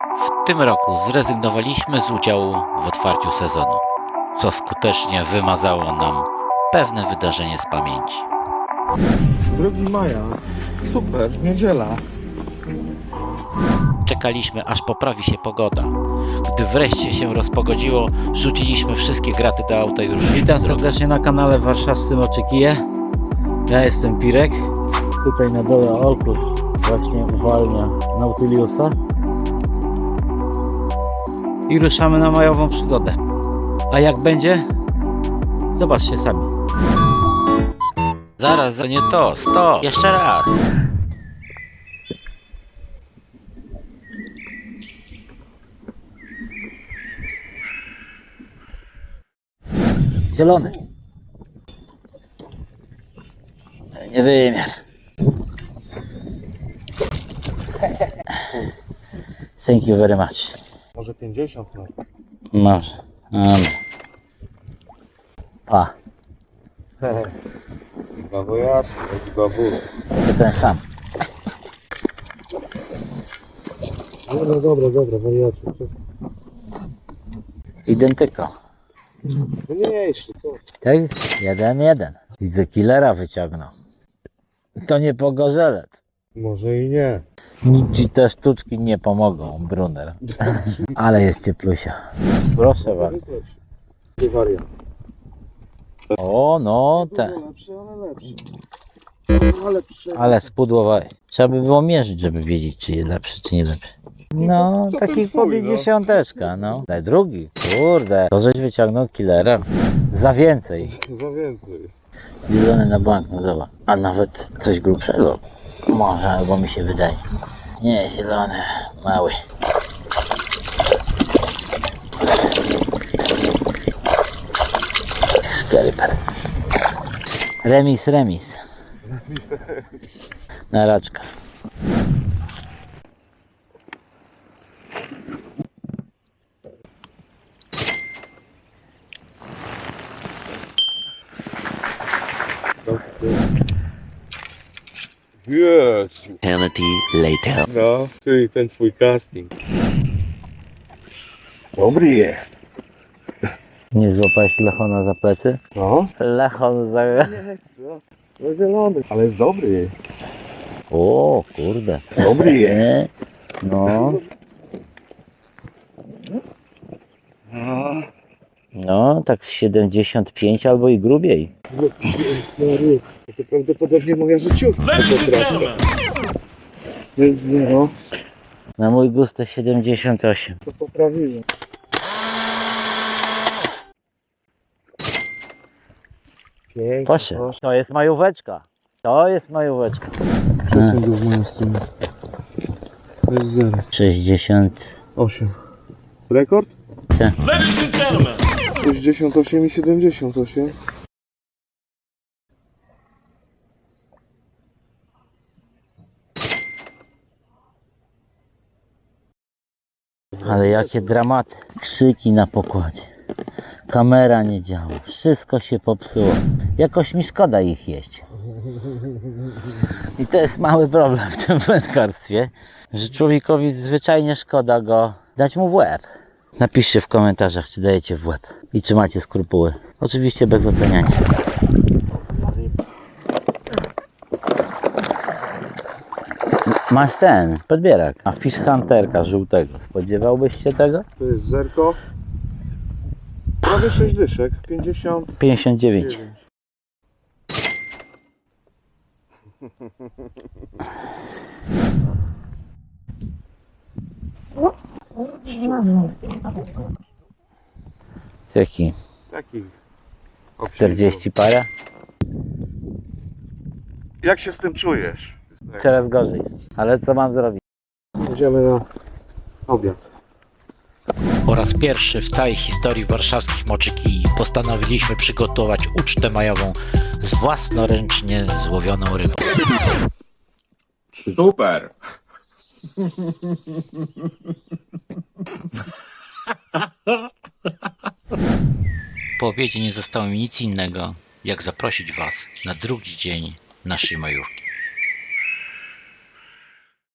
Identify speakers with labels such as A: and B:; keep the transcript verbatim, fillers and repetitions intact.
A: W tym roku zrezygnowaliśmy z udziału w otwarciu sezonu, co skutecznie wymazało nam pewne wydarzenie z pamięci.
B: drugiego maja. Super, niedziela.
A: Czekaliśmy, aż poprawi się pogoda. Gdy wreszcie się rozpogodziło, rzuciliśmy wszystkie graty do auta i ruszyliśmy.
C: Witam serdecznie na kanale Warszawscy Moczykije. Ja jestem Pirek. Tutaj na dole Olkus właśnie uwalnia Nautiliusa. I ruszamy na majową przygodę. A jak będzie? Zobaczcie sami.
A: Zaraz, to nie to, stop, jeszcze raz.
C: Zielony. Nie wymiar. Thank you very much.
B: Może pięćdziesiąt, no.
C: Może. Dobra. Pa.
B: Babujasz, babu.
C: To ten sam.
B: Dobra, dobra, dobra, wariacie.
C: Identyko.
B: Mniejszy, co?
C: Tak? Jeden, jeden. Widzę killera wyciągnął. To nie pogorzelec.
B: Może i nie.
C: Nic ci te sztuczki nie pomogą, Brunner. Ale jest cieplusia. Proszę bardzo.
B: Nie wariat.
C: O, no, te.
B: Lepszy, ale lepszy. Ale lepszy.
C: Ale spudłowałeś. Trzeba by było mierzyć, żeby wiedzieć, czy jest lepszy, czy nie lepszy. No,
B: to ten
C: taki
B: twój,
C: powie
B: no.
C: dziesiąteczka, no. Ale drugi, kurde. To żeś wyciągnął killera. Za więcej.
B: Za więcej.
C: Zielony na bank, no zobacz. A nawet coś grubszego. Może, albo mi się wydaje. Nie, zielony, mały. Skryper. Remis, remis. Na raczka.
B: Jezu.
A: Eternity later.
B: No, ty ten twój casting. Dobry jest.
C: Nie złapałeś Lechona za plecy?
B: No.
C: Lechon za...
B: Nie, co? No zielony. Ale jest dobry.
C: O, kurde.
B: Dobry jest.
C: Nie? No,
B: No.
C: no, tak z siedemdziesiąt pięć albo i grubiej.
B: To prawdopodobnie moja życiówka.
D: Ladies and gentlemen,
B: Więc no,
C: Na mój gust to siedemdziesiąt osiem.
B: to poprawiłem. Pięknie.
C: Proszę. To jest majóweczka. To jest majóweczka.
B: Przesuń go w moją stronę. To jest zero.
C: sześćdziesiąt.
B: osiem. Rekord?
D: ladies and gentlemen,
B: sześćdziesiąt osiem i siedemdziesiąt osiem.
C: Ale jakie dramaty. Krzyki na pokładzie. Kamera nie działa. Wszystko się popsuło. Jakoś mi szkoda ich jeść. I to jest mały problem w tym wędkarstwie, że człowiekowi zwyczajnie szkoda go dać mu w łeb. Napiszcie w komentarzach, czy dajecie w łeb i czy macie skrupuły. Oczywiście bez oceniania. Masz ten, podbierak. A fish hunterka żółtego. Spodziewałbyś się tego?
B: To jest zerko. Prawie sześć dyszek. pięćdziesiąt
C: pięćdziesiąt dziewięć.
B: dziewięć.
C: Jaki?
B: Taki.
C: czterdzieści para?
B: Jak się z tym czujesz?
C: Coraz gorzej. Ale co mam zrobić?
B: Idziemy na obiad.
A: Po raz pierwszy w całej historii warszawskich moczykij postanowiliśmy przygotować ucztę majową z własnoręcznie złowioną rybą.
D: super.
A: Po obiedzie nie zostało mi nic innego, jak zaprosić Was na drugi dzień naszej majówki.